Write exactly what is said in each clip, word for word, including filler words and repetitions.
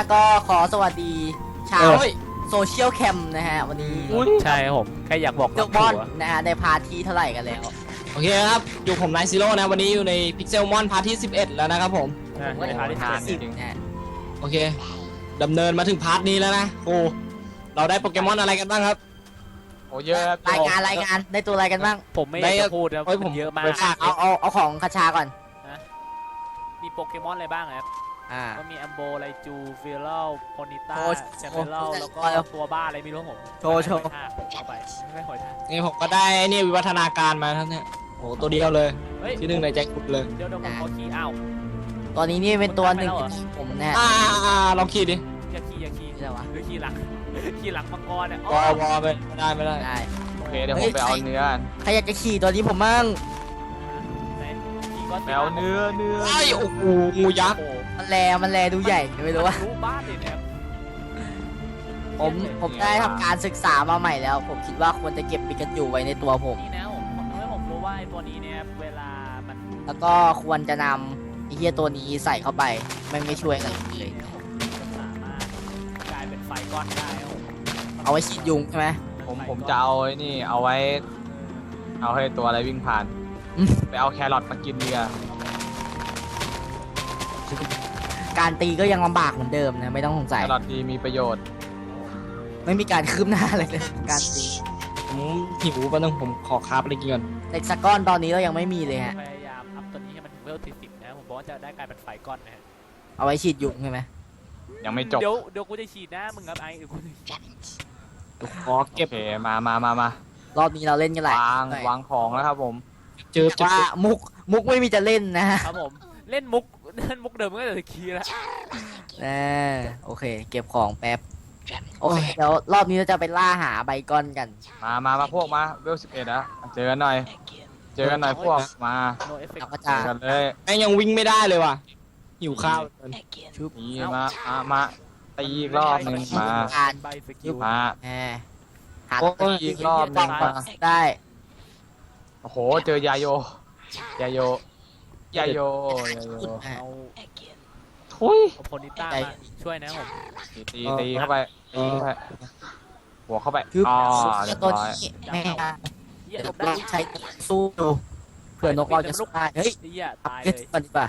ก็ขอสวัสดีชาวโซเชียลแคมนะฮะวันนี้ใช่ผมแค่อยากบอกเจ้าบอลนะฮะในพาร์ทที่เท่าไหร่กันแล้วโอเคครับอยู่ผมไนซ์ซีโร่นะวันนี้อยู่ในพิกเซลมอนพาร์ทที่สิบเอ็ดแล้วนะครับผมผมก็ในพาร์ทที่สิบนะฮะโอเคดำเนินมาถึงพาร์ทนี้แล้วนะโอ้เราได้โปเกมอนอะไรกันบ้างครับโอ้เยอะครับรายงานรายงานได้ตัวอะไรกันบ้างผมไม่อยากจะพูดนะผมเยอะมากเอาเอาเอาของคาชาก่อนมีโปเกมอนอะไรบ้างครับก็มีแอมโบไลจูฟิลเลลโพนิต้าแชมเปญแล้วก็ตัวบ้าอะไรไม่รู้ผมโชว์โชว์เอาไปไม่หอยทากนี่ผมก็ได้นี่วิวัฒนาการมาทั้งนี้โอ้ตัวเดียวเลยที่หนึ่งในใจกุดเลยเดี๋ยวเดี๋ยวผมขอขี่อ้าวตอนนี้นี่เป็นตัวหนึ่งที่ผมนะฮะอ่าลองขี่ดิอย่าขี่อย่าขี่หรือขี่หลังขี่หลังมังกรเนี่ยวอวอไปไม่ได้ไม่ได้โอเคเดี๋ยวผมไปเอาเนื้อใครอยากจะขี่ตัวนี้ผมมั่งไปเอาเนื้อเนื้อไอ้โอ้โหงูยักษ์มันแลมันแลดูใหญ่ไม่รู้ว่าบ้านเลยเนี่ยผมผมได้ทำการศึกษามาใหม่แล้ว ผมคิดว่าควรจะเก็บปิกาจูไว้ในตัวผมนี่นะผมทำให้ผมรู้ว่าไอ้ตัวนี้เนี่ยเวลามันแล้วก็ควรจะนำไอ้เหี้ยตัวนี้ใส่เข้าไปมันไม่ช่วยอะไรเลยสามารถกลายเป็นไฟก้อนได้เอาไว้ฉีดยุงใช่ไหมผมผมจะเอาไอ้นี่เอาไว้เอาให้ตัวอะไรวิ่งผ่านไปเอาแครอทมากินดีกว่าการตีก็ยังลำบากเหมือนเดิมนะไม่ต้องสงสัยแครอทดีมีประโยชน์ไม่มีการคืบหน้าอะไรเลยการตีผมหิวป่ะนึงผมขอคาบอะไรกินก่อนเล็กซักก้อนตอนนี้เรายังไม่มีเลยฮะพยายามอัพตัวนี้ให้มันถึงเลเวลที่สิบนะผมบอกว่าจะได้กลายเป็นไฟก้อนนะฮะเอาไว้ฉีดยุงใช่ไหมยังไม่จบเดี๋ยวเดี๋ยวกูจะฉีดนะมึงครับไอ้เดี๋ยวกูจะขอเก็บมามามามารอบนี้เราเล่นกันหลายวางวางของแล้วครับผมเจอว่ามุกมุกไม่มีจะเล่นนะครับผมเล่นมุกเล่นมุกเดิมก็จะคีแล้วนะโอเคเก็บของแป๊บโอเคเดี๋ยวรอบนี้เราจะไปล่าหาใบก้อนกันมามามาพวกมาเวลสิบเอ็ดอะเจอกันหน่อยเจอกันหน่อยพวกมาเจอกันเลยแม่งยังวิ่งไม่ได้เลยว่ะหิวข้าวนี่มามามาตีอีกรอบหนึ่งมามาหาอีกรอบหนึ่งมาได้โอ้โหเจอยาโยยาโยยาโยยาโยทุยโพนิต้าช่วยนะผมตีตีเข้าไปตีเข้าไปหัวเข้าไปอ๋อเรียบร้อยแม่เดี๋ยวเราใช้สู้ดูเผื่อนกเราจะสู้ได้เฮ้ยตายเลยปันดีป่ะ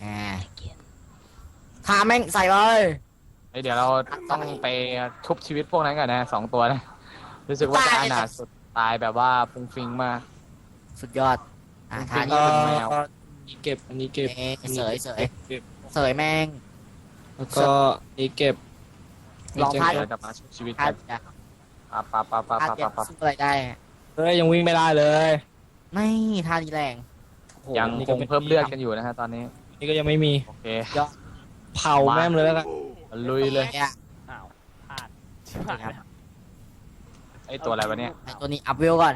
ทาแม่งใส่เลยเดี๋ยวเราต้องไปชุบชีวิตพวกนั้นกันนะสองตัวนะรู้สึกว่าจะอนาถสุดตายแบบว่าฟุ้งฟิ้งมากสุดยอดอ่าทานี่เป็นแมวเก็บอันนี้เก็บเสยเสยเสยแม่งแล้วก็นี่เก็บลองพาดจะมาชุบชีวิตกันปั๊บปั๊บปั๊บปั๊บปั๊บปั๊บสู้อะไรได้เฮ้ยยังวิ่งไม่ได้เลยไม่ทาดีแรงยังคงเพิ่มเลือดกันอยู่นะฮะตอนนี้นี่ก็ยังไม่มีโอเคเผาแม่มเลยแล้วกันลุยเลยอ้าวพลาดชิบหายแล้วไอตัวอะไรวะเนี่ยตัวนี้อัพเวลก่อน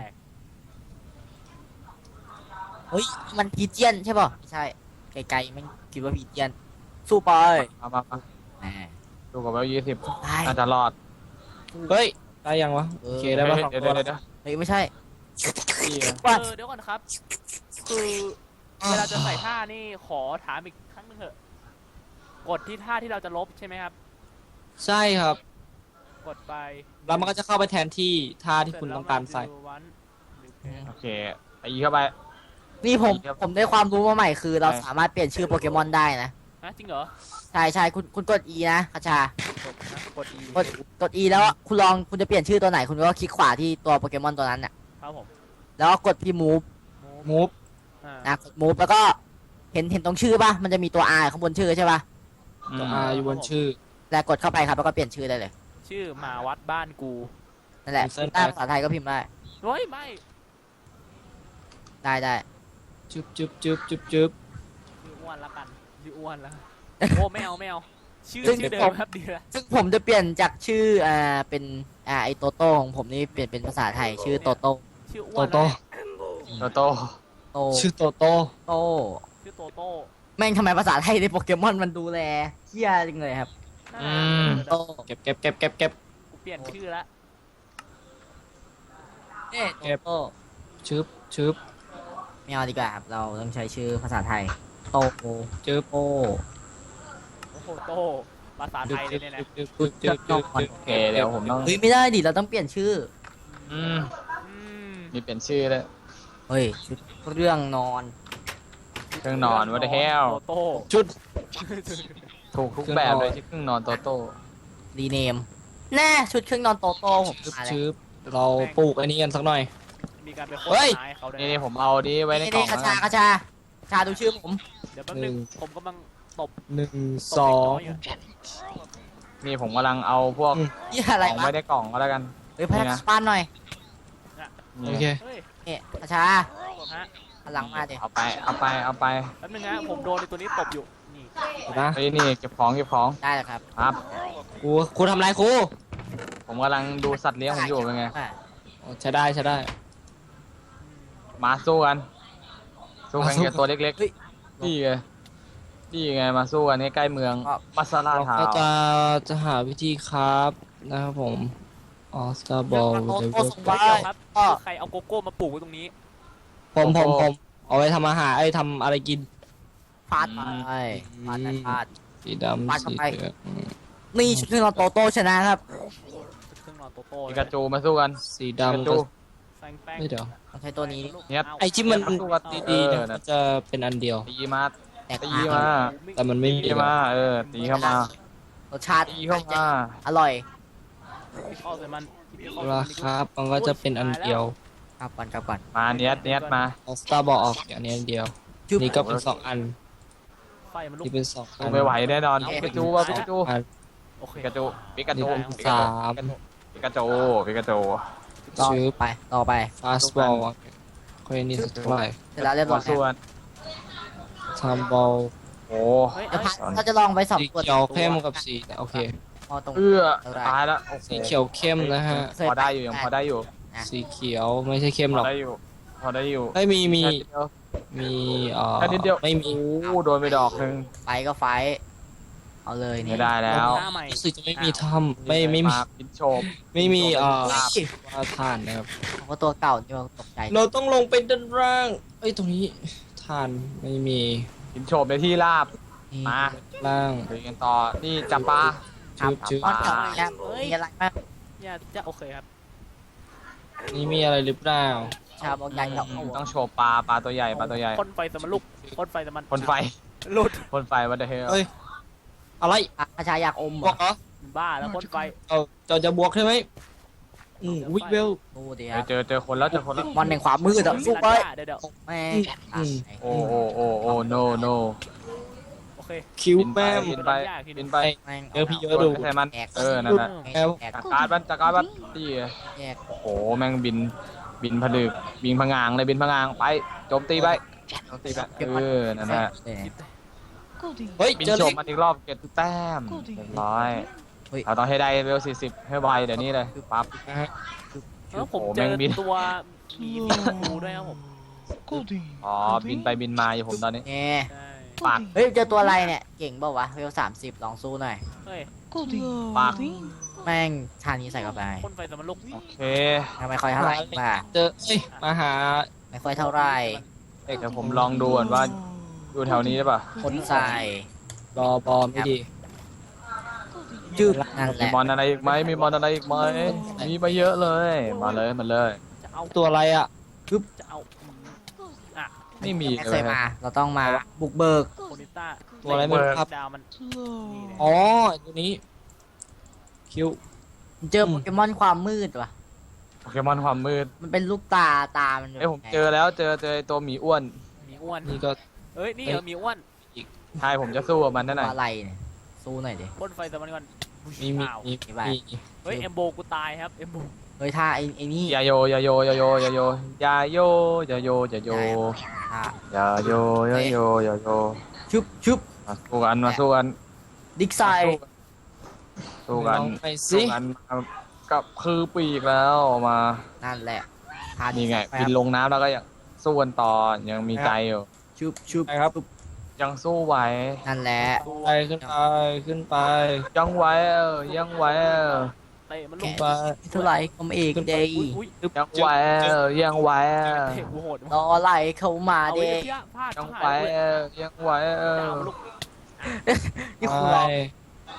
เฮ้ยมันพีเจียนใช่ป่ะไม่ใช่ไกลๆมันคิดว่าพีเจียนสู้ไปมามามาดูกับเวลยี่สิบน่าจะรอดเฮ้ยได้ยังวะโอเคได้ป่ะเดี๋ยวเดี๋ยวเดี๋ยวเฮ้ยไม่ใช่เออเดี๋ยวก่อนครับคือเวลาจะใส่ท่านี่ขอถามอีกครั้งนึงเถอะกดที่ท่าที่เราจะลบใช่ไหมครับใช่ครับกดไปแล้วมันก็จะเข้าไปแทนที่ท่าที่คุณต้องการใส่โอเคตีเข้าไปนี่ผมผมได้ความรู้มาใหม่คือเราสามารถเปลี่ยนชื่อโปเกมอนได้นะจริงเหรอใช่ใช่คุณคุณกด E นะคาชากด E กดกด E แล้วคุณลองคุณจะเปลี่ยนชื่อตัวไหนคุณก็คลิกขวาที่ตัวโปเกมอนตัวนั้นน่ะครับผมแล้วก็กดที่ move move นะกด move แล้วก็เห็นเห็นตรงชื่อป่ะมันจะมีตัว R ข้างบนชื่อใช่ป่ะตัว R อยู่บนชื่อแล้วกดเข้าไปครับแล้วก็เปลี่ยนชื่อได้เลยชื่อมาวัดบ้านกูนั่นแหละถ้าภาษาไทยก็พิมพ์ได้เฮ้ยไม่ได้ได้จุ๊บจุ๊บจุ๊บจุ๊บจุ๊บชื่ออ้วนละกันชื่ออ้วนละโอ้ไม่เอาไม่เอาชื่อชื่อเดิมครับดีละซึ่งผมจะเปลี่ยนจากชื่ออ่าเป็นอ่าไอโตโต้ของผมนี่เปลี่ยนเป็นภาษาไทยชื่อโตโต้ชื่ออ้วนโตโตโตโตชื่อโตโต้โตชื่อโตโต้แม่งทำไมภาษาไทยในโปเกมอนมันดูแลเฮี้ยจริงเลยครับอืมโตเก็บเก็บเก็บเก็บเก็บกูเปลี่ยนชื่อละเอ๊ะเก็บโตชึบชึบไม่เอาดีกว่าครับเราต้องใช้ชื่อภาษาไทยโตจืบโตโอ้โหโตโตภาษาไทยเลยเนี่ยนะชุดเครื่องนอนโอเคเดี๋ยวผมต้องเฮ้ยไม่ได้ดิเราต้องเปลี่ยนชื่ออืมอืมมีเปลี่ยนชื่อแล้วเฮ้ยชุดเครื่องนอนเครื่องนอน what the hell โตโต้ชุดถูกทุกแบบเลยที่เครื่องนอนโตโต้รีเนมแน่ชุดเครื่องนอนโตโต้ผมชืบมาแล้วชืบเราปลูกอันนี้กันสักหน่อยมีการไปโฆเฮ้ษยณาให้เขาด้วยนี่นะนี่ผมเอาดีไว้ในนี่กล่อนี่งกระแล้วชากันกระชาชาดูชื่อผมเดี๋ยวแป๊บนึงผมกำลังตบหนึ่งตบสอเด็กงน้อยอยู่นี่ผมกำลังเอาพวกอืมนี่ขอะไรองวะไว้ในกล่องก็แล้วกันเฮ้ยพันี่ฒนะสปานหน่อยนี่โอเคเฮ้ยนี่กระชาตบฮะหันหลังมาเดี๋ยวเอาไปเอาไปเอาไปแป๊บนึงนะผมโดนในตัวนี้ตบอยู่นี่เดี๋ยวนะเฮ้ยนี่เก็บของเก็บของได้แล้วครับครับครูครูทำไรครูผมกำลังดูสัตว์เลี้ยงผมอยู่เป็นไงอ่ะอ๋อใช้ได้ใช้ได้มาสู้กันสู้กันมาสู้กับตัวเล็กเฮ้ยๆนี่ไงนี่ไงมาสู้กันนี่ใกล้เมืองก็มัสซาลาเราทาวก็จะจะหาวิธีครับนะครับผมออสการ์บอลโตเลโต้เวลส่งเดี๋ไว้ยวครับก็ใครเอาโกโก้มาปลูกไว้ตรงนี้ผมผมผมเอาไว้ทำอาหารไอ้ยทำอะไรกินฟาดไปฟาดไปฟาดสีดำปาดเข้าสีไปเหลืองอืมนี่ชุดเครื่องนอนโตโต้ชนะครับเครื่องนอนโตโต้ปิกาจูมาสู้กันสีปิกาดำจูก็แป้งแป้งไม่เดี๋ยวต้องใช้ตัวนี้เนี่ยไอ้ที่มันสู้กันดีๆเอเนี่ยอมันจะเป็นอันเดียวตีมาแตกตีต่างมาแต่มันไม่มีตีมาเออตีเข้ามารสชาติตีเข้ามาอร่อยเข้าใส่มันราคามันก็จะเป็นอันเดียวกลับก่อนกลับก่อนมาเนียดเนียดมาออสการ์บอลออกอันนี้อันเดียวจุ๊บนี่ก็เป็นสองอันไฟมันลุกนี่เป็นสองอัสู้นไม่ไหวแน่นอนปิกาจูว่าปิกาจูอันโอเคปิกาจูปิกานี่จูเป็นปิสากาจูมปิกาจูปิกาจูต่อชื่อไปต่อไปฟาสบอลค่อยนี่สักเท่าไหร่เสร็จแล้วเรียบร้มาอยสู้กันทำบอลโอ้เฮ้ยเดี๋ยวเอ้ยพัดเราจะลองไปสองสีตัวเขียวเข้มกับสีโอเคพอตรงเอื้อเท่าไหร่ตายแล้วโอ้โหสีเขียวเข้มนะฮะเคยพอได้อยู่ยังพอได้อยู่สีเขียวไม่ใช่เข้มพหรออกได้อยู่พอได้อยู่ไม่มีมีแค่นิดเดียวมีเอ่อแค่นิดเดียวไม่มีโอ้โดนไปดอกหนึ่งไฟก็ไฟเอาเลยนี่ไม่ได้แล้วหน้าใหม่รู้สึกจะไม่มีถ้ำไม่ไม่มีาปิดโฉบไม่มีเอ่อเฮ้ยว่าท่านนะครับผมว่าตัวเก่านี่มันตกใจเราต้องลงไปด้านล่างเอ้ยตรงนี้ท่านไม่มีปิดโฉบในที่ราบนี่มาล่างไปกันต่อนี่จับปลาครับชื่อตอนเก่าเลยครับมีอะไรบ้างเนี่ยจะโอเคครับนี่มีอะไรหรือเปล่าชาวบอกใหญ่กับอืมต้องโฉบปลาปลาตัวใหญ่ปลาตัวใหญ่พ่นไฟสมันลุกพ่นไฟสมันพ่นไฟหลุดพ่นไฟวัดเดเฮลเอ้ยอะไรอาชาอยากอมเหบรวอกเหรอบ้าแล้วพ่นไฟเอาเราจะบวกใช่ไหมอืมวิกเวลดูดิคเฮ้รัยบเจอเจอคนแล้วเจอคนแล้วมอนแห่งความมืดอะสู้ไปเดี๋ยวเดี๋ยวแม่งอืมโอ้โอ้โอ้โอ้ no no โอเคคิวบินไปแม่มบินไปบินไปแม่งเจอพี่เยโดอะนดูไปใส่มันแตกเออนั่นแหละแตกแตกจักรการบันจักรการบันตีแตกโอ้โหแม่งบินบินผลึกบินผงางเลยบินผงางไปโจมตีไปโจมตีไปเออนั่นแหละเฮ้ยบินเจอโฉเล็บกมาอีกรอบเก็บแต้มเรียบร้อยเราต้องให้ได้เวลสี่สิบให้ไวเดี๋ยวนี้เลยปั๊บนะฮะแล้วผมโอ้โหเจอแม่งบินตัวมีมีงูด้วยครับผมอ๋อบินไปบินมาอยู่ผมตอนนี้เนี่ยใช่ปากเฮ้ยเจอตัวอะไรเนี่ยเก่งเปล่าวะเวลสามสิบลองสู้หน่อยเฮ้ยปากแม่งชานี้ใส่เข้าไปพ่นไฟสมันลุกโอเคไม่ค่อยเท่าไหร่ป่ะเจอเอ้ยมาหาไม่ค่อยเท่าไหร่เดี๋ยวผมลองดูก่อนว่าอยู่แถวนี้ได้ป่ะคนใส่รอบอไม่ดีจืดนั่นแหมีละมอนอะไรอีกไหมมีมอนอะไรอีกไหมมีมาเยอะเลย มาเลยมาเลยจะเอาตัวอะไรอ่ะจะเอาอ่ะไม่มีไม่เลเคยยมา เราต้องมาบุกเบิกโคนิต้าตัวอะไรไม่รู้ครับดาวมันนี่เลยอ๋อตัวนี้คิวเจอโปเกมอนความมืดว่ะโปเกมอนความมืดมันเป็นลูกตาตามันเอ้ยผมเจอแล้วเจอเจอไอ้ตัวหมีอ้วนมีอ้วนนี่ก็เฮ้ยนี่เหรอมีอ้วนใช่ผมจะสู้กับมันนั่นตัน่ะวอะไรเนี่ยสู้หน่อยดิพ่นไฟสมันก่อนมีมีอ้าวมีมีบ้างมีเฮ้ยเอมโบกูตายครับเอมโบเฮ้ยถ้าไอ้ไอ้นี่อย่าโยอย่าโยอย่าโยอย่าโยอย่าโยอย่าโยอย่าโยถ้าอย่าโยอย่าโยอย่าโยชุบชุบมาสู้กันมาสู้กันดิกไซสู้กันลองไปสู้สิกันกับคือปีกแล้วมานั่นแหละทานี่ไงแป๊บิบนลงน้ำแล้วก็ยังสู้กันต่อยังมีใจอยู่ชุบชุบไปครับยังสู้ไหวนั่นแหละไปขึ้นไปขึ้นไปยังไหวเออยังไหวเออเตะมันลขึ้งนไปเท่าไหร่ผมเอกเดย์อุ้ยอุ้ยยังไหวเออยังไหวเออเตะกูโหดรอไหลเข้ามาเอาเดไอ้ย์เหี้ยพลาดยังชิบไหวหายเลยเออยังไหวเออจะเอามันลุกนี่ไปคุณรอ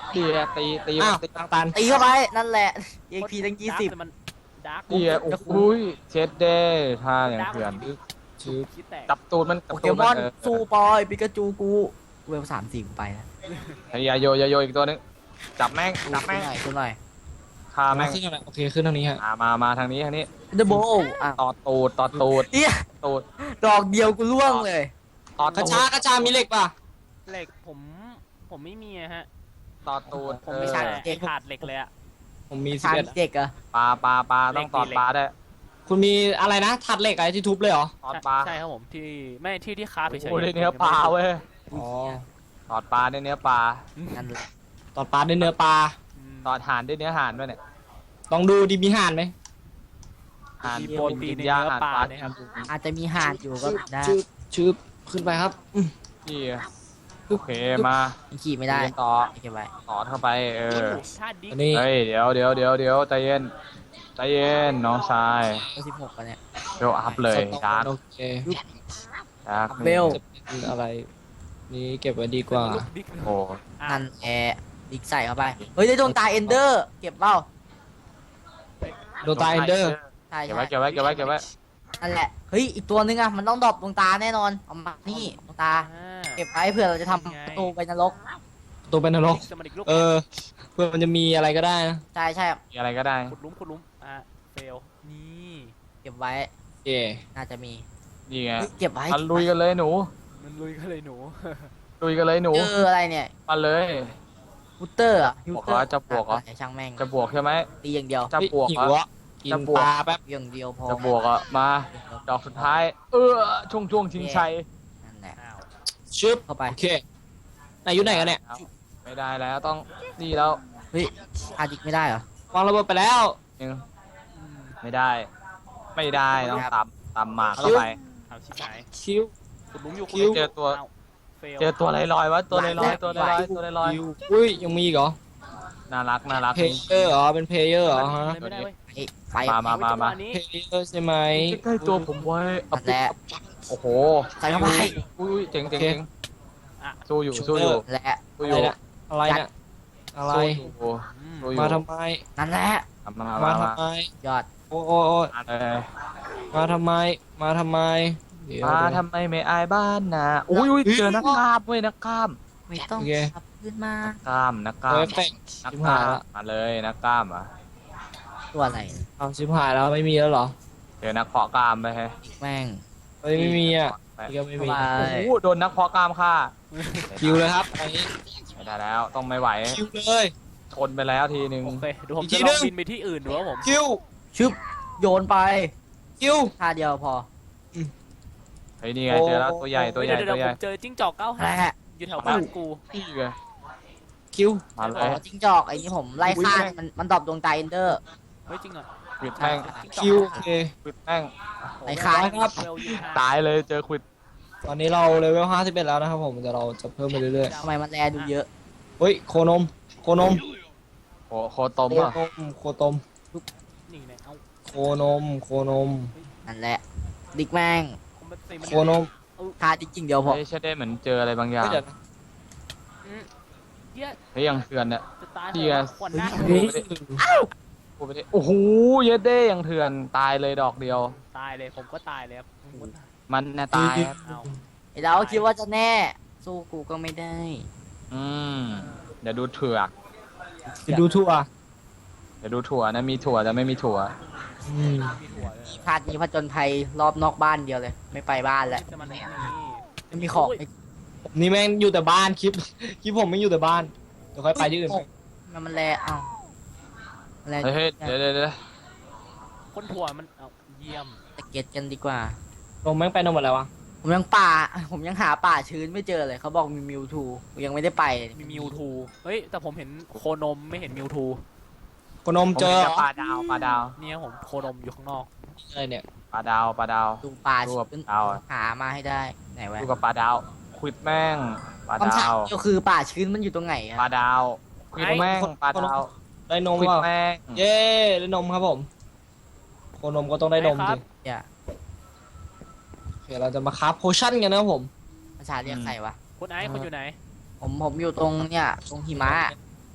ดีอะตีตีอ้าวตีทางตันตีเข้าไปนั่นแหละ เอ็กซ์พีตั้งยี่สิบมันดาร์กดีอะโอ้โหเช็ดเด้ท่าอย่างเถื่อนชื่อคิดแตกจับตูดมันโปเกมอนสู้ปอยปิกาจูกูเวลสามสี่ไปนะไอ้ยาโยยาโยอีกตัวนึงจับแม่งจับแม่งหน่อยขึ้นหน่อยคาแม่งขึ้นอะไรโอเคขึ้นทางนี้ฮะมามามาทางนี้ทางนี้เดอะโบอ่ะต่อตูดต่อตูดเอี้ยตูดดอกเดียวกูล่วงเลยต่อกระตูชาดกระชามีเหล็กป่ะเหล็กผมผมไม่มีอะฮะต่อตูดผมเอไม่อใช่เด็กขาดเหล็กเลยอะผมมีสิบทางเอ็ดเด็กเหรอะปลาปลาปลาต้องตอดปลาได้วยคุณมีอะไรนะถัดเหล็กอะไรที่ทุบเลยเหรอตอดปลาใช่ครับผมที่ไม่ที่ที่คาบเฉยโอ้ยได้เนื้อปลาเว้ยอ๋อตอดปลาได้เนื้อปลานั่นแหละตอดปลาด้วยเนื้อปลาอืมตอดห่านได้เนื้อห่านด้วยเนี่ยลองดูดีมีห่านไหมห่านมีโปรตีนในยาเนื้อห่านปลาปลาเนี่ยครับอาจจะมีห่านอยู่ก็ได้ชืบชืบขึ้นไปครับอืมนี่โอเคมายังขี่ไม่ได้เรียนต่อเก็บไว้ต่อเข้าไปเออถ้าดิอันนี้เฮ้ยเดี๋ยวเดี๋ยวเดี๋ยวเดี๋ยวใจเย็นใจเย็นน้องชายสิบหกกันเนี่ยเดี๋ยวอัพเลยสต็อกดาร์กโอเคดาร์กเบลจะเป็นอะไร นี่เก็บไว้ดีกว่าลูดิ๊กโอ้อ่ะนั่นแอร์ดิกใส่เข้าไป เฮ้ยได้ดวงตาเอนเดอร์ เก็บเปล่าโดตาเอนเดอร์ใช่เก็บใช่ไว้เก็บไว้เก็บไว้เก็บไว้นั่นแหละ เฮ้ย อีกตัวนึงอะมันต้องดรอปดวงตาแน่นอน เอามา นี่ดวงตาอ่าเก็บไว้เผื่อเราจะทำประตูไปนรกตัวเป็นนรกสมาดิกลูกเออ เพื่อมันจะมีอะไรก็ได้นะใช่ใช่มีอะไรก็ได้ขุดหลุมขุดหลุมอ่ะเฟลนี่เก็บไว้โอเคน่าจะมีนี่ไงเฮ้ยเก็บไว้มาลุยกันเลยหนูมันลุยก็เลยหนูลุยกันเลยหนูเจออะไรเนี่ยมาเลยฮูเตอร์อะฮูบวกเตอเหรอร์จะบวกเหรอช่างแม่งจะบวกใช่ไหมตีอย่างเดียวจะบวกหิเหรวออ่ะกินจะบวกปลาแป๊บอย่างเดียวพอจะบวกอ่ะมาดอกสุดท้าย เออช่วงช่วงชิงชัยนั่นแหละอ้าวชึบเข้าไปโอเคไหนอยู่ไหนกันเนี่ยไม่ได้แล้วต้องนี่แล้วเฮ้ยอาดิกไม่ได้เหรอวางระเบิดไปแล้วยังอืมไม่ได้ ไม่ได้ต้องตำตำหมากเข้าไปเอาชิบหายคิวขุดหลุมอยู่คิวขุดหลุมเจอตัวอ้าเฟลเจอตัวลอยลอยวะตัวลอยลอยตัวลอยลอยตัวลอยลอยคิวอุ้ยยังมีอีกเหรอน่ารักน่ารักเพลเยอร์เหรอเป็นเพลเยอร์เหรอฮะไม่ได้เว้ยเฮ้ยไปมามามามาจังหวะนี้เพลเยอร์ใช่ไหมใกล้ๆตัวผมไว้นั่นแหละโอ้โหใส่เข้าไปอุ้ยเจ๋งเจ๋งโอเคเจ๋งสู้อยู่สู้อยู่นั่นแหละสู้ออะไรยู่เนี่ยอะไรเนี่ยอะไรสู้อยู่อืมสู้อยู่มาทำไมนั่นแหละมามามามาทำไมยอดโอ้โอ้โอ้มาเลยมาทำไม มาทำไมเดี๋ยวมาทำไมไม่อายบ้านนะอุ้ยอุ้ยเจอนักกล้ามเว้ยนักกล้ามไม่ต้องขับขึ้นมานักกล้ามนักกล้าโอ้มยเป่งนักชิบกล้าหายมละมาเลยนักกล้ามอ่ะตัวอะไรเอาชิบหายแล้วไม่มีแล้วเหรอเจอนักเพาะกล้ามไปฮะแม่งเฮ้ยไม่มีอ่ะไปนี่ก็ไม่มีไปโอ้โหโดนนักเพาะกล้ามฆ่าคิวเลยครับอันนี้ไม่ได้แล้วต้องไม่ไหวคิวเลยชนไปแล้วทีนึงโอเคเดี๋ยวผมอีกทีจะลองหนึ่งบินไปที่อื่นดูว่าผมคิวชึบโยนไปคิวท่าเดียวพอเฮ้ยนี่ไงเจอแล้วตัวใหญ่ตัวใหญ่เดี๋ยวตัวเดี๋ยวใหผญ่มเจอจิ้งจอกเก้าแหหางละอยู่แถวบ้านกูนี่ไงคิวมาเลอ๋อย จิ้งจอกไอ้นี่ผมไล่ฆ่ามันมันดรอปดวงตาเอนเดอร์เฮ้ยจริงเหรอควิดแม่งคิวโอเคควิดแม่งไอ้ค้างครับเวลยี่สิบห้าตายเลยเจอควิดตอนนี้เราเลเวลห้าสิบเอ็ดแล้วนะครับผมเดี๋ยวเราจะเพิ่มไปเรื่อยทำไมมันแลดูเยอะๆ เฮ้ยโคนม โคนมโคโคตมโคอ่ะนม โคตมนี่ไงเอ้าโคนม โคนมนั่นแหละ ดิกแม่งผมเป็นสี่มันโคนมท่าดิกจริงเดียวพอเฮ้ยใช่ได้เหมือนเจออะไรบางอย่างเฮ้ยเดี๋ยวนะเหี้ยเฮ้ยยังเถื่อนเนี่ยจะตายเหี้เหรอย ขวัญหน้าเฮ้ยพูดไปดิโอ้โหเยดเด้ยังเถื่อนตายเลยดอกเดียวตายเลยผมก็ตายเลยครับผมก็ตายมันน่ะตายครับเอาไอ้เราคิดว่าจะแน่ สู้กูก็ไม่ได้อืมเดี๋ยวดูเถือกจะดูทั่วเดี๋ยวดูถั่วนะมีถั่วแต่ไม่มีถั่วอืมมีถั่วเลยพาดนี้ผจญภัยรอบนอกบ้านเดียวเลย ไม่ไปบ้านแล้วจะมาไหนนี่ไม่มีของผมนี่แม่งอยู่แต่บ้านคลิป คลิปผมไม่อยู่แต่บ้าน เดี๋ยวค่อยไปที่อื่นมันมันแลเอ้ามันแลเฮ้ยเฮ้ยเดี๋ยวเดี๋ยวเดี๋ยวคนถั่วมันเอาเยี่ยมตะเก็ดกันดีกว่าลงแม่งไปนอนหมดแล้ววะผมยังป่า ผมยังหาป่าชื้นไม่เจอเลย เขาบอกมีมิวทูยังไม่ได้ไปเลยมีมิวทูเฮ้ยแต่ผมเห็นโคนมไม่เห็นมิวทูโคนมผมเจอเห็นแต่ปลาดาวปลาดาวเนี่ยผมโคนมอยู่ข้างนอกอะไรเนี่ยปลาดาวปลาดาวดูป่าดูกับชื้นดาวอะหามาให้ได้ไหนวะดูกับปลาดาวควิดแม่งปลาคำถาดาม วก็คือป่าชื้นมันอยู่ตรงไหนปลาอะดาวควิดแม่งปลาดาวได้นมควิดเปล่าแม่งเย้ได้นมครับผม โคนมก็ต้องได้นมครัสิบอย่าโอเคเราจะมาคราฟโพชั่นกันนะครับผมภาษาเรียกใครวะคุณไอซ์คุณอยู่ไหนผมผมอยู่ตรงเนี่ยตรงหิมะ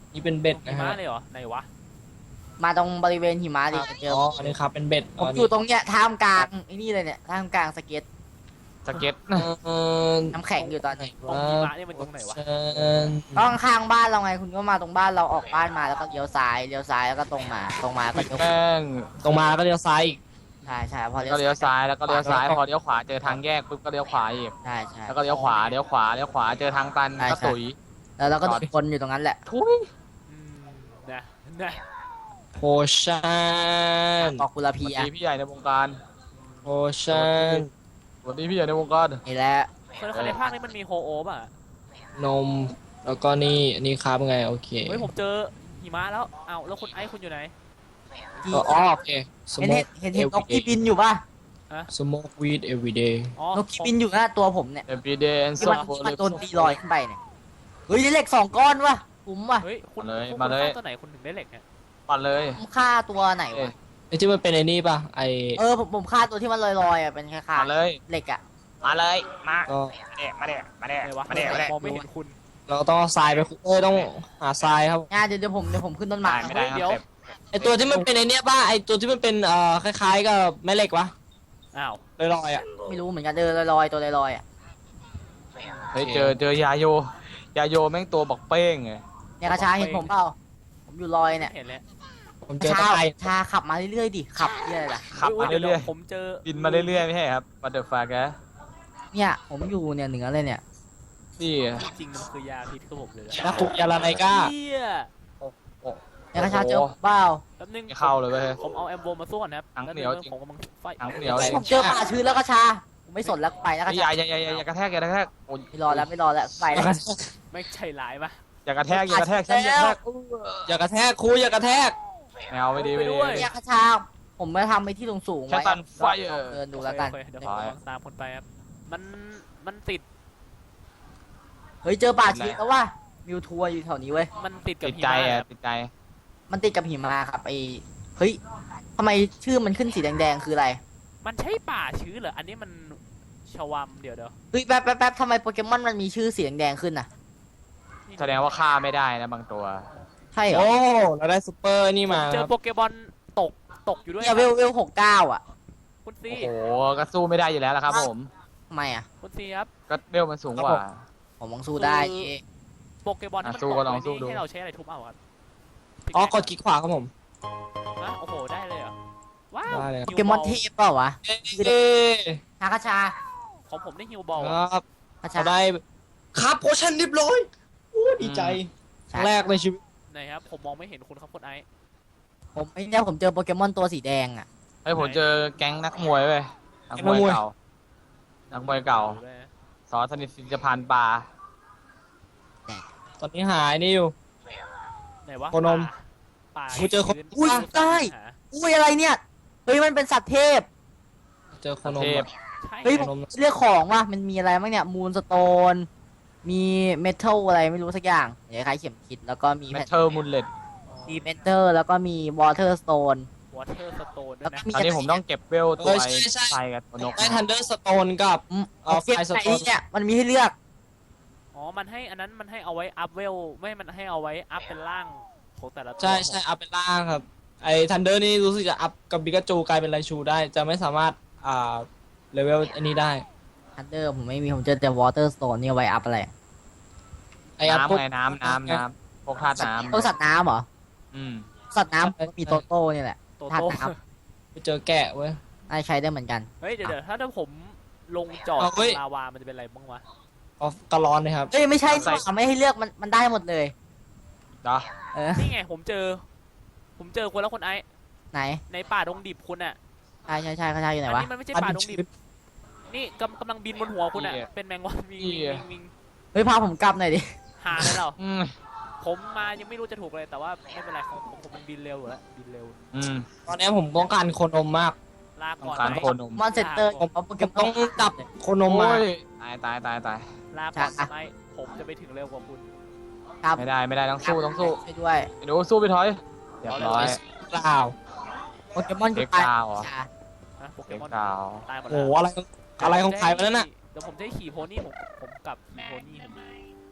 นี่เป็นเบ็ดหินะมะฮะเลยเหรอไหนวะมาตรงบริเวณหิมะดิเจออ๋ออันนี้ครับเป็นเบ็ดผมอยู่ตรงเนี้ยท่ามกลางไอ้นี่เลยเนี่ยท่ามกลางสเก็ตสเก็ตเออน้ำแข็งอยู่ตอนนี้ตรงหิมะเนี่ยมันตรงไหนวะเชิญต้องข้างบ้านเราไงคุณก็มาตรงบ้านเราออกบ้านมาแล้วก็เลี้ยวซ้ายเลี้ยวซ้ายแล้วก็ตรงมาตรงมาก็เลี้ยวขวาแม่งตรงมาแล้วก็เลี้ยวซ้ายอีกใช่ใช่พอเลี้ยก็วเลี้ยวซ้ายแล้วก็เลี้ยวซ้ายพอเลี้ยวขวาเจอทางแยกปุ๊บก็เลี้ยวขวาอีกใช่ใช่แล้วก็เลี้ยวขวาเลี้ยวขวาเลี้ยวขวาเจอทางตันก็ตุ๋ยแล้วเราก็โดนคนอยู่ตรงนั้นแหละทุยอืมนะนะโพชั่นบอกกุลสพีวัสอ่ะดีพี่ใหญ่ในวงการโพชั่นสวัสดีพี่ใหญ่ในวงการนี่แหละคนคนในภาคนี้มันมีโฮโอป่ะนมแล้วก็นี่อันนี้ครับไงโอเคเฮ้ยผมเจอหิมะแล้วเอ้าแล้วคุณไอ้คุณอยู่ไหนที่ก็อ๋อโอเคเห็นเห็น smoke เห็นเห็นนกที่บินอยู่ป่ะ smoke weed every day อ๋อนกที่บินอยู่หน้าตัวผมเนี่ยเอฟบีเดนที่ซอมันฟที่มันโดนตีลอยขึ้นไปเนี่ยเฮ้ยได้เหล็กสองก้อนว่ะคุ้มว่ะเฮ้ยคุณมาเลยคุณมาเลยฆ่ตัวไหนคุณถึงได้เหล็กเนี่ยปัดเลยผมฆ่าตัวไหนวะไอ้ที่มันเป็นไอ้นี่ป่ะไอเออผมผมฆ่าตัวที่มันลอยๆอ่ะเป็นคล้ายมาเลยๆเหล็กอ่ะมาเลยมาก็มาเด้มาเด้ไหนวะมาเด้มาเด้มองไม่เห็นคุณเราต้องเอาทรายไปขุดเอ้ยต้องหาทรายครับงานเดี๋ยวเดี๋ยวผมเดี๋ยวผมขึ้นต้นไม้ไม่ได้ครับเดี๋ยวเต็มไอตัวที่มันเป็นไอเนี้ยป่ะไอตัวที่มันเป็นเอ่อคล้ายๆกับแม่เหล็กวะอ้าวลอยๆอ่ะไม่รู้เหมือนกันเออลอยๆตัวลอยๆอ่ะเฮ้ยเจอเจอยาโยยาโยแม่งตัวบอกเป้งไงเนี่ยกระชาเห็นผมเปล่าผมอยู่ลอยเนี่ยเห็นแล้วผมกเจระอชาตะไคร้ชาขับมาเรื่อยๆดิขับเรื่อยๆล่ะขับมาดี๋วเรื่อยๆผมเจอๆบินมาเรื่อยๆไม่ใช่ครับบัตเตอร์ฟลายแกเนี่ยผมอยู่เนี่ยเหนือเลยเนี่ยนี่จริงๆมันคือยาพิษครับผมเลยนะนะคุยาลาไนก้าเฮียเนี่ยกระชาเจอผมเปล่าแป๊บนึงไม่เข้าเลยเว้ยผมเอาแอมโบมาสู้ก่อนนะครับหนังแป๊บเหนียวงจริงผมกำลังไฟหนังเหนียวผมเจอป่าชื้นแล้วกระชาผมไม่สนแล้วไปแล้วกระอชาย่าอย่าอย่าอย่าอย่ากระแทกอย่ากระแทกโอ้ยไม่รอแล้วไม่รอแล้วไปแล้วไม่ใช่หลายปะอย่ากระแทกอย่ากระแทกฉันอย่ากระแทกอย่ากระแทกครูอย่ากระแทกแมวไม่ดีไม่ดีเนี่ยกระชาผมมาทำไปที่สูงๆแค่ไว้ตันไฟเออเดินดูแล้วกันโอเคโอเคเดี๋ยวผมกำลังตามคนไปครับมันมันติดเฮ้ยเจอป่าชื้นแล้วว่ะมิวทัวร์อยู่แถวนี้เว้ยมันติดกับติดหิใจมะอ่ะครับติดใจมันติดกับหิมะครับไอเฮ้ยทำไมชื่อมันขึ้นสีแดงๆคืออะไรมันใช่ป่าชื้นเหรออันนี้มันชวามเดี๋ยวเดี๋ยวเฮ้ยแป๊บแป๊บแป๊บทำไมโปเกมอนมันมีชื่อสีแดงๆขึ้นน่ะแสดงว่าฆ่าไม่ได้นะบางตัวใช่เหรอโอ้เราได้ซูเปอร์นี่มาเจคอรับโปเกมอนตกตกอยู่ด้วยเนี่ยเวลเวลหกเก้าอ่ะคุณซีโอ้โหก็สู้ไม่ได้อยู่แล้วละครับผมทำไมอ่ะคุณซีครับก็เบลมันสูงกว่าผมมองสู้ได้คือเอ๊ะโปเกมอนที่อ่ะมันสู้ตกก็ลองไว้สู้นี่ดูให้เราใช้อะไรทุบเอาครับอ๋อกดคลิกขวาครับผมนะโอ้โหได้เลยเหรอว้าวได้เลยครับโปเกมอนเทพเปล่าวะเอ๊ะฮากาชาของผมได้ฮิวบอลคอะรับฮากาชาเขาได้ครับโพชั่นเรียบร้อยโอ้ดีใจครั้งแรกในชีวิตไหนครับผมมองไม่เห็นคุณครับคุณไอซ์ผมไอ้เนี่ยผมเจอโปเกมอนตัวสีแดงอ่ะเฮ้ยผมเจอแก๊งนักมวยเว้ยนักมวยเก่านักมวยเก่าด้วยนะสอนสนิทสินจะพันปลาตอนนี้หายนี่อยู่ไหนวะโคนมป่ากูเจอคนชื้อุ้ยได้หาอุ้ยอะไรเนี่ยเฮ้ยมันเป็นสัตว์เทพเจอโคนมเทพอะใช่เฮ้ยโคนมเรียกของว่ะมันมีอะไรบ้างเนี่ยมูนสโตนมีเมทัลอะไรไม่รู้สักอย่างคล้ายๆเข็มทิศแล้วก็มีเมทัลมุลเลตดีเมนเตอร์แล้วก็มีวอเตอร์สโตนวอเตอร์สโตนด้แล้ว วยนะก็มีอันนี้ผมต้องเก็บเวลตัวไอ้ไฟกับตัวนกได้ทันเดอร์สโตนกับอืมเอาเอาเก็บไฟสไหนโตนเนี่ยมันมีให้เลือกอ๋อมันให้อันนั้นมันให้เอาไว้อัพเวลไม่มันให้เอาไว้อัพเป็นร่างของแต่ละตัวใช่ใช่อัพเป็นล่างครับ ไอ้ทันเดอร์นี่รู้สึกจะอัพกับบิกาจูกลายเป็นไรชูได้ จะไม่สามารถอ่าเลเวลอันนี้ได้ทันเดอร์ผมไม่มีผมเจอแต่วอเตอร์สโตนนี่เอาไว้อัพอะไรไอ้อัพพวกน้ำไงน้ำน้ำน้ำพวกธาตุน้ตัวสัตว์น้ำเหรอำอืมสัตว์น้ำมันมีโตโต้เนี่ยแหละโตธาตุโต้น้ไปเจอแกะเว้ยำน่าใช้ได้เหมือนกันเฮ้ยเดี๋ยวเดี๋ยวถ้าถ้าผมลงจอดเอาเว้ยลาวามันจะเป็นอะไรบ้างวะออฟกะลอนนะครับเอ้ยไม่ใช่นี่หว่าไม่ให้เลือกมันมันได้หมดเลยเหรอเออนี่ไงผมเจอ ผมเจอคนแล้วคนไอซ์ไหนในป่าดงดิบคุณอ่ะใช่ใช่ใช่เขาใช่อยู่ไหนอันวะนี้มันไม่ใช่ป่าดงดิบนี่กำกำลังบินบนหัวคุณอ่ะเป็นแมงวันวิงวิงวิงวิงเฮ้ยพาผมกลับหน่อยดิหาเลยเหรออืมผมมายังไม่รู้จะถูกเลยแต่ว่าไม่เป็นไรของผมผมมันบินเร็วอยู่แล้วบินเร็วอืมตอนนี้ผมต้องการโคนมมากลาก่อนต้องการไหมโคนมมอนเซนเตอร์ผผม มเอาโปเกผมมต้ออน งจับโคนมมาโอ้ยตายตายตายตายลาก่อนไอซ์ผมจะไปถึงเร็วกว่าคุณครับไม่ได้ไม่ได้ต้องสู้ต้องสู้ช่วยด้วยไอ้หนูสู้ไปถอยเรียบร้อยเปล่าโปเกมอนเด็กูกตายดาวเหรอจ้านะโปเกเด็กมอนดาวตายหมดโอ้แล้วโหอะไรอะไรของใครวะนั่นน่ะเดี๋ยวผมจะให้ขี่โพนี่ผมผมกลับขี่โพนี่ผมโอ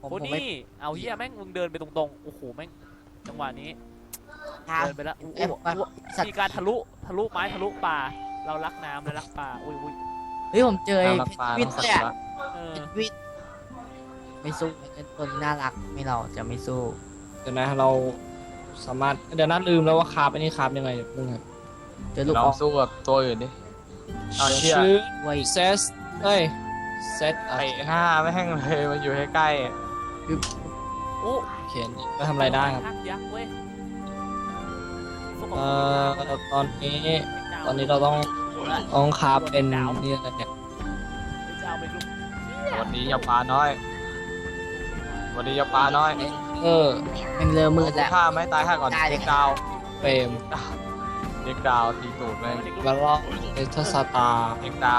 ผมโคผมไม่นี่เอาเฮียแม่งมึงเดินไปตรงๆโอ้โหแม่งจังหวะนี้ทางเดินไปแล้วอู้เอ๊ะอู้มาอู้สัตว์มีการทะลุทะลุไม้ทะลุป่า เรารักน้ำและรักป่าอุ้ยอุ้ยเฮ้ยผมเจอไอ้น้ำรักปลาวิต้นองสัเลยกอะละเออวินไม่สู้ไอ้ตัวนี้น่ารักไม่เราจะไม่สู้เดี๋ยวนะเราสามารถเดี๋ยวนัดลืมแล้วว่าคราฟอันนี้คราฟยังไงมึงครับเจอลูกลอออง กสู้กับตัวอื่นดิ เอาเชี่ยชื่อไว้ยเซสเอ้ยเซตอ่ะไอ้หน้าไม่แห้งเลยมันอยู่ใกล้โอ้เขียนก็ทำอะไรได้ครับทักยักษ์เว้ยสู้กับเอ่อคนตอนนี้ดาวตอนนี้เราต้องต้องคราฟเป็นนี่อะไรเนี่ยจะเอาไปลูกๆวันนี้อย่าปลาน้อย วันนี้อย่าปลาน้อยเออมันเริ่มมืดแล้วฆ่าไม่ตายฆ่าก่อนได้เลยเด็กดาวเฟรมเด็กดาวตีตูดเลยแล้วก็เอทสตาร์เด็กดาว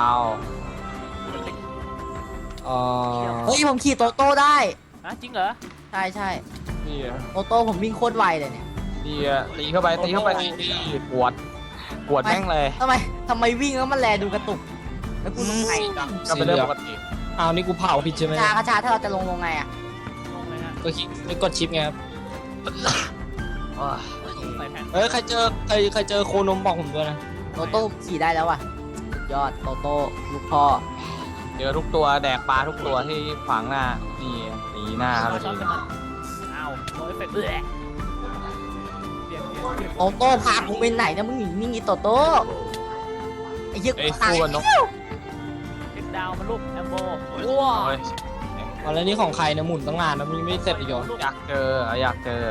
เอ่อเฮ้ยผมขี่โตโต้ได้ฮะจริงเหรอใช่ใช่นี่อะโตโต้ผมวิ่งโคตรไวเลยเนี่ยนี่อะตีเข้าไปตีเข้าไปนี่ปวดปวดแม่งเลยทำไมทำไมวิ่งแล้วมันแลดูกระตุก แล้วกูลงไงก็เป็นเรื่องปกติอ้าวนี่กูเผาผิดใช่ไหมชากระชาถ้าเราจะลงลงไงอ่ะลงเลยฮะก็คลิกไม่กดชิปไงครับอ้าวใส่แผ่นเฮ้ยใครเจอใครใครเจอโคนมบอกผมด้วยนะโตโต้ขี่ได้แล้วอ่ะสุดยอดโตโต้ลูกพ่อเจอทุกตัวแดกปลาทุกตัวที่ขวางหน้า นี่ตีหน้าครับเราชอบทีกันมันอ้าวโดนเอฟเฟกต์เอื้อเปลี่ยนเปลี่ยนเปลี่ยนโตโต้พากูไปไหนเนี่ยมึงหนีนี่งี้โตโต้ไอ้เหี้ยไอ้ยตายสู้กันนกเอ็กดาวมันลูกแอมโบโอ้ว้าวยเอาแล้วนี่ของใครเนี่ยหมุนตั้งนานแล้วมันยังไม่เสร็จอีกเหรออยากเจออยากเจอ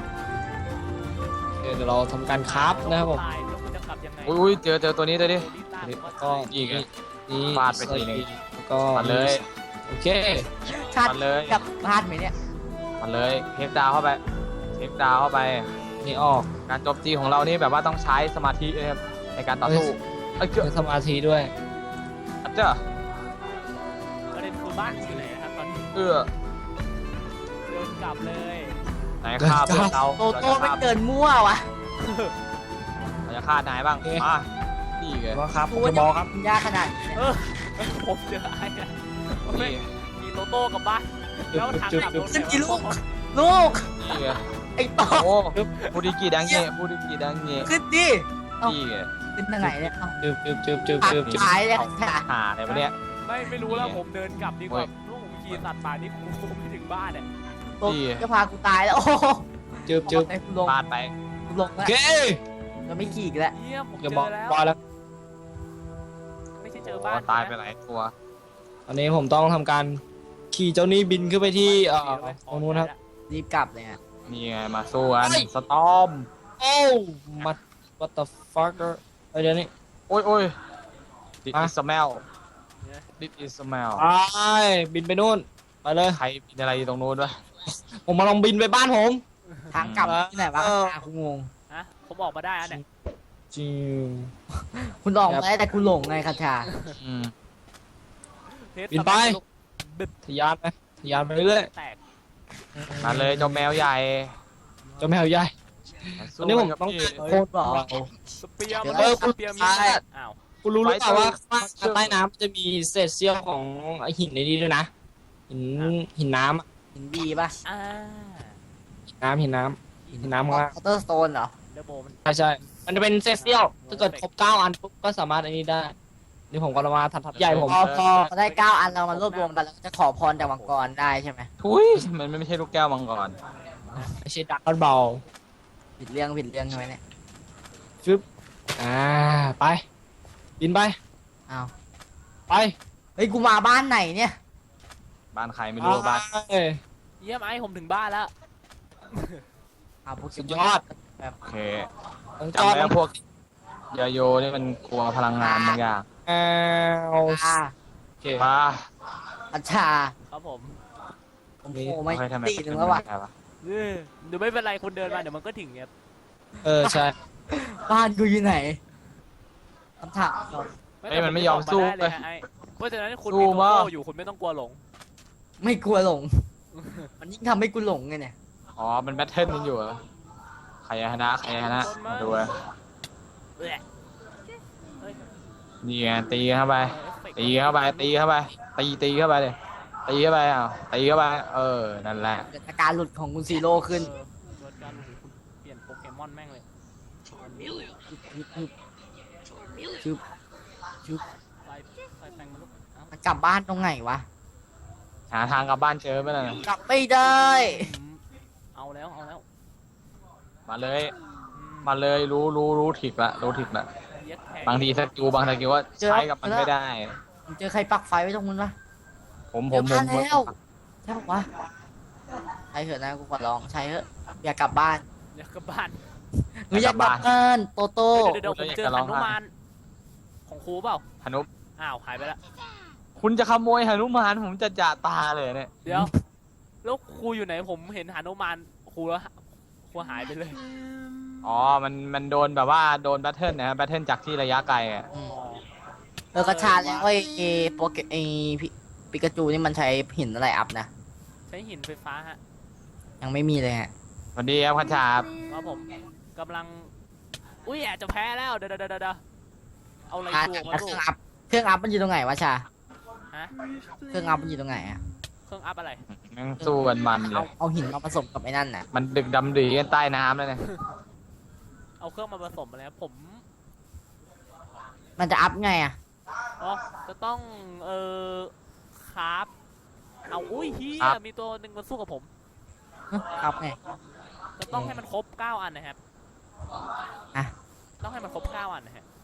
เดี๋ยวเราทำการคราฟนะครับผมตายแล้วมันจะกลับยังไงอุ้ยอุ้ยเจอเจอตัวนี้ตัวนี้ก็อีกอะนี่ฟาดไปทีหนึ่งแล้วก็มาเลยโอเคชาติมาเลยกับพลาดไหมเนี่ยมาเลยเทคดาวเข้าไปเทคดาวเข้าไปนี่ออกการโจมตีของเรานี่แบบว่าต้องใช้สมาธินะครับในการต่อสู้เอ้ยเจ้าใช้สมาธิด้วยเจ้าประเด็นคือบ้านอยู่ไหนนะครับตอนนี้เอื้อเดินกลับเลยไหนฆ่าเพื่อนเราโตโต้ไม่เกินมั่ววะเราจะฆ่านายบ้างมานี่ไงว่าครับกูผมว่าจะจะบอกครับยากขนาดนี้เนี่ยเออผมเจอไอ้อะไม่นี่มีโตโต้กับบ้านแล้วทางกลับรถขึ้นกี่ลูก ลูกนี่ไงไอ้โตโอ้บูดิกีดังเงี้ยบูดิกีดังเงี้ยขึ้นดินี่ไงขึ้นทางไหนเนี่ยเอาจึบจึบจึบจึบปากจึบจึบท้ายเลยค่ะหาอะไรวะเนี่ยไม่ไม่รู้แล้วผมเดินกลับดีกว่าลูกผมขี่สัตว์ป่านี่กูคงไม่ถึงบ้านเนี่ยโตจะพากูตายแล้วโอ้โหจึบจึบไอ้กูลงพลาดไปกูลงโอแล้วเคจะไม่ขี่อีกแล้วเยี่ยมผมเจจะบอกอแล้วบอกแล้วไม่ใช่เจอบ้านตายไปหลายตัวตอนนี้ผมต้องทำการขี่เจ้านี้บินขึ้นไปที่เอ่อตรงนู้นครับรีบกลับเลยอ่ะนี่ไงมาสู้กันเฮ้ยสตอมโอ้มา what the fuck เอ้ยเดี๋ยวนี้โอ้ยโอ้ย This อ่ะ is smell This is smell ไปบินไปนู่นไปเลยใครมีอะไรอยู่ตรงนู้นวะผมมาลองบินไปบ้านผมทางกลับที่ไหนวะหากูงงฮะผมออกมาได้อันเนี่ยจิวคุณลองมาได้แต่กูหลงไงคาชาอืมเทสบินไปบิดทะยานไปทะยานไปเรื่อยแตกมาเลยเจ้าแมวใหญ่ๆเจ้าแมวใหญ่มาตสู้อนนี้ผมกับต้องพี่โคตรเราสเปียร์มันเออสเปียร์มีใช่อ้าวคุณรู้หรือเปล่าว่าข้างใต้น้ำจะมีเศษเสี้ยวของไอหินในนี้ด้วยนะ หินหินน้ำอะหินดีป่ะอ่าหินน้ำหินน้ำหินน้ำข้างล่างคอเตอร์สโตนเหรอเดโบมันใช่ใช่มันจะเป็นเศษเสี้ยวถ้าเกิดครบเก้าอันปุ๊บก็สามารถอันนี้ได้ นี่ผมก็มาทัดทัดใหญ่ผมพอพอเขาได้เก้าอันเรามารวบรวมกันแล้วจะขอพรจากมังกรได้ใช่ไหมทุยมันไม่ใช่ลูกแก้วมังกรไม่ใช่ดักกันเบาผิดเรื่องผิดเรื่องใช่ไหมเนี่ยฟึบอ่าไป บินไปอ้าวไปเฮ้ยกูมาบ้านไหนเนี่ยบ้านใครไม่รู้ว่าบ้านไปเยี่ยมไอ้ผมถึงบ้านแล้วอ้าวพวกสุดยอดโอเคต้องจจำอดไว้ว่าพวกยาโยนี่มันกลัวพลังงานบางอย่างอ้าวอ่าโอเคมาอัชชาครับผมผมโผล่ไม่โอเคทำไมตีหนึ่งแล้ววะเป็นแบบเออเดี๋ยวไม่เป็นไรคุณเดินมาเดี๋ยวมันก็ถึงเนี่ยเออใช่บ้านกูอยู่ไหนคำถามเหรอเอ้ยมันไม่ยอมสู้เลเลย ยฮะไอ้เพราะฉะนั้นคุณสู้มีโตมากโต้อยู่คุณไม่ต้องกลัวหลงไม่กลัวหลง มันยิ่งทำให้กูหลงไงเนี่ยอ๋อมันแบทเทิลมันอยู่เหรอใครชนะใครชนะมาดูอะเอ้ยเฮ้ยนี่ไงตีเข้าไปเอฟเฟกต์ตีเข้าไปตีเข้าไปตีตีเข้าไปเลยตีเข้าไปอ่ะตีเข้าไปเออนั่นแหละเกิดอาการหลุดของคุณซีโร่ขึ้นเออเกิดการหลุดคุณเปลี่ยนโปเกมอนแม่งเลยชึบชึบไฟไฟแปลงมาลุกเอ้ามันกลับบ้านตรงไหนวะหาทางกลับบ้านเจอไหมล่ะกลับไม่ได้อืมเอาแล้วเอาแล้วมาเลยอืมมาเลยรู้รู้รู้ถิกละรู้ถิกละเย็ดแขกบางทีสกิลบางสกิลว่าใช้กับมันไม่ได้ผมเจอใครปักไฟไว้ตรงนู้นวะผมผเดี๋ยมวผมาม แล้วผมใช่ปะวะใช่เถอะนะกูขอร้องใช่เถอะอยากกลับบ้านเดี๋ยวกลับบ้านหนูอยากกลับบ้านโตโต้เดี๋ยวเดี๋ยวผมเจอหนุมานของครูเปล่าหนุอ้าวหายไปแล้วคุณจะขโมยหนุมานผมจะจ่าตาเลยเนี่ยเดี๋ยวแล้วครูอยู่ไหนผมเห็นหนุมานครูแล้วครูหายไปเลยอ๋อมันมันโดนแบบว่าโดนแบทเทิลนะครับแบทเทิลจากที่ระยะไกลอ่ะอืมเออกระชาแล้วไอ้ไอ้โปเกไอ้พิปิกาจูนี่มันใช้หินอะไรอัพนะใช้หินไฟฟ้าฮะยังไม่มีเลยฮะสวัสดีครับพัชชาครับว่าผมกำลังอุ้ยอาจจะแพ้แล้วเดี๋ยวเดี๋ยวเดี๋ยวเดี๋ยวเอาอะไรอ่ะตัวมาแล้วเคดูรื่องอัพเครื่องอัพมันอยู่ตรงไหนวะชาฮะเครื่องอัพมันอยู่ตรงไหนอะเครื่องอัพอะไรนั่งสู้กันมันเลเอายเอาหินมาผสมกับไอ้นั่นน่ะมันดึกดำดีกันใต้น้ำเลยเนี่ยเอาเครื่องมาผสมอะไรครับผมมันจะอัพไงอะอ๋อจะต้องเอ่อคราฟเอาอุ้ยเฮียมีตัวหนึ่งมาสู้กับผมฮะอัพไงจะต้องให้มันครบเก้าอันนะครับอ่ะต้องให้มันครบเก้าอันนะฮะ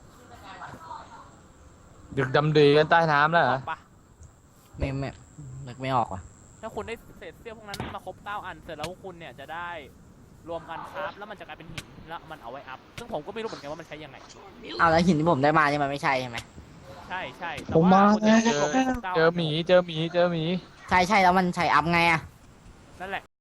ดึกดำดีกันใต้น้ำแล้วเหรอบอกปะไม่ไม่นึกไม่ออกว่ะถ้าคุณได้เศษเสี้ยวพวกนั้นมาครบเก้าอันเสร็จแล้วคุณเนี่ยจะได้รวมกันครับแล้วมันจะกลายเป็นหินแล้วมันเอาไว้อัพซึ่งผมก็ไม่รู้เหมือนกันว่ามันใช้ยังไงเอาแล้วหินที่ผมได้มานี่มันไม่ใช่ใช่ไหมใช่ใช่แต่ผมว่ามาคุณจะได้รวมครบเก้าเจอหมีเจอหมีเจอหมีใช่ใช่แล้วมันใช้อัพไงอะนั่นแหละ